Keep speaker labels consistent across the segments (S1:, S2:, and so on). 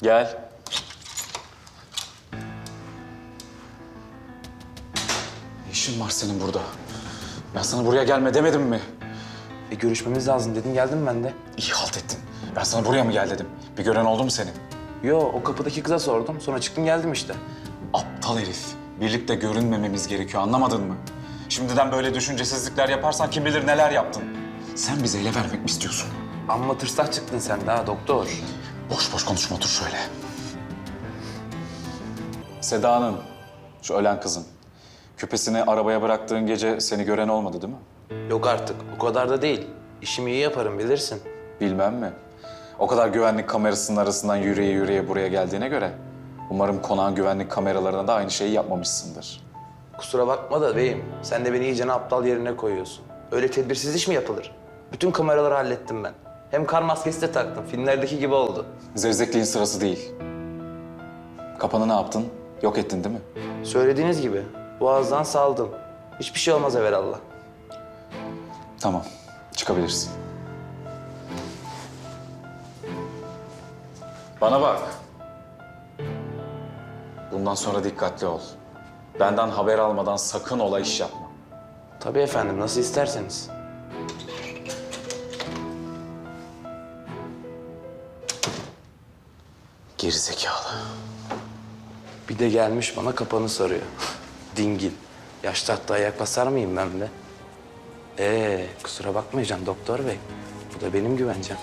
S1: Gel. Ne işin var senin burada? Ben sana buraya gelme demedim mi?
S2: Görüşmemiz lazım dedin, geldim ben de.
S1: İyi halt ettin. Ben sana buraya mı gel dedim? Bir gören oldu mu senin?
S2: Yo, o kapıdaki kıza sordum. Sonra çıktım geldim işte.
S1: Aptal herif. Birlikte görünmememiz gerekiyor, anlamadın mı? Şimdiden böyle düşüncesizlikler yaparsan kim bilir neler yaptın. Sen bizi ele vermek mi istiyorsun?
S2: Amma tırsak çıktın sen de ha doktor.
S1: Boş boş konuşma, otur şöyle. Seda'nın, şu ölen kızın. Küpesini arabaya bıraktığın gece seni gören olmadı değil mi?
S2: Yok artık, o kadar da değil. İşimi iyi yaparım bilirsin.
S1: Bilmem mi? O kadar güvenlik kamerasının arasından yürüye yürüye buraya geldiğine göre... umarım konağın güvenlik kameralarına da aynı şeyi yapmamışsındır.
S2: Kusura bakma da beyim, sen de beni iyicene aptal yerine koyuyorsun. Öyle tedbirsiz iş mi yapılır? Bütün kameraları hallettim ben. Hem kar maskesi de taktım, filmlerdeki gibi oldu.
S1: Zevzekliğin sırası değil. Kapanı ne yaptın? Yok ettin değil mi?
S2: Söylediğiniz gibi, boğazdan saldım. Hiçbir şey olmaz evelallah.
S1: Tamam, çıkabilirsin. Bana bak. Bundan sonra dikkatli ol. Benden haber almadan sakın ola iş yapma.
S2: Tabii efendim, nasıl isterseniz.
S1: Gerizekalı.
S2: Bir de gelmiş bana kapanı soruyor. Dingil. Yaşta hatta ayak basar mıyım ben de? Kusura bakmayacağım doktor bey. Bu da benim güvencem.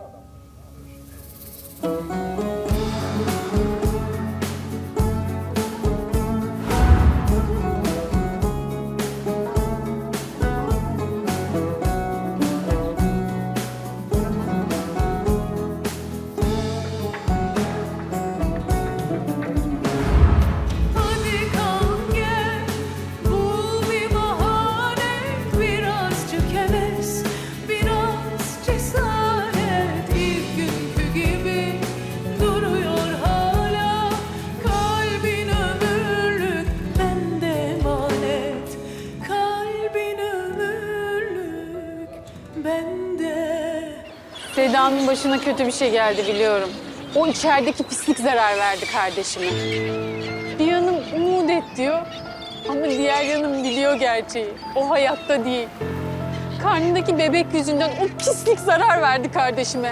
S3: Hadi kalk gel, bul bir bahane, birazcık heves, biraz cesaret. İlk günkü gibi duruyor hala, kalbin ömürlük bende emanet, kalbin ömürlük bende.
S4: Seda'nın başına kötü bir şey geldi biliyorum. O içerideki pislik zarar verdi kardeşime. Bir yanım umut et diyor ama diğer yanım biliyor gerçeği. O hayatta değil. Karnındaki bebek yüzünden o pislik zarar verdi kardeşime.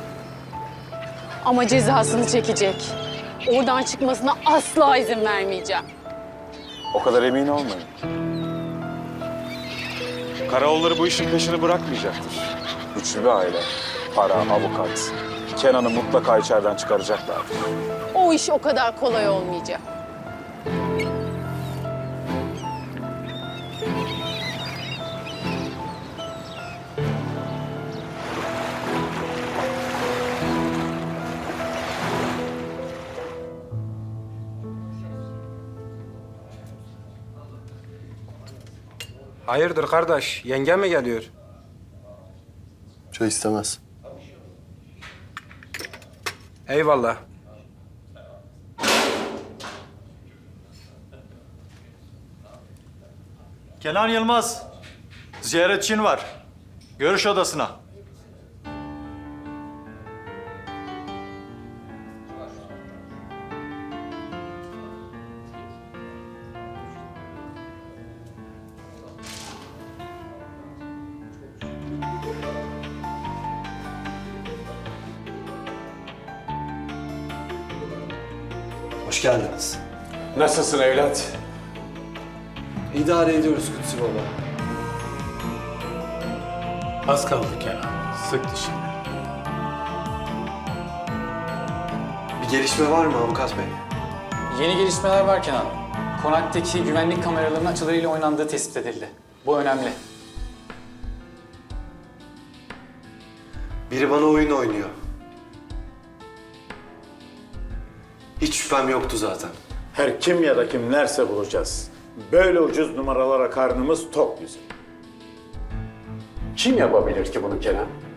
S4: Ama cezasını çekecek. Oradan çıkmasına asla izin vermeyeceğim.
S5: O kadar emin olmayın. Karaoğulları bu işin peşini bırakmayacaktır. Güçlü bir aile, para, avukat. Kenan'ı mutlaka içeriden çıkaracaklardır.
S4: O iş o kadar kolay olmayacak.
S6: Hayırdır kardeş? Yengen mi geliyor?
S7: Çay istemez.
S6: Eyvallah.
S8: Kenan Yılmaz, ziyaretçin var. Görüş odasına.
S7: Hoş geldiniz.
S5: Nasılsın evlat?
S7: İdare ediyoruz Kutsi Baba.
S9: Az kaldı Kenan. Sık dişini.
S7: Bir gelişme var mı avukat bey?
S10: Yeni gelişmeler var Kenan. Konaktaki güvenlik kameralarının açılarıyla oynandığı tespit edildi. Bu önemli.
S7: Biri bana oyun oynuyor. Hiç şüphem yoktu zaten.
S9: Her kim ya da kimlerse bulacağız. Böyle ucuz numaralara karnımız tok bizim. Kim yapabilir ki bunu Kenan?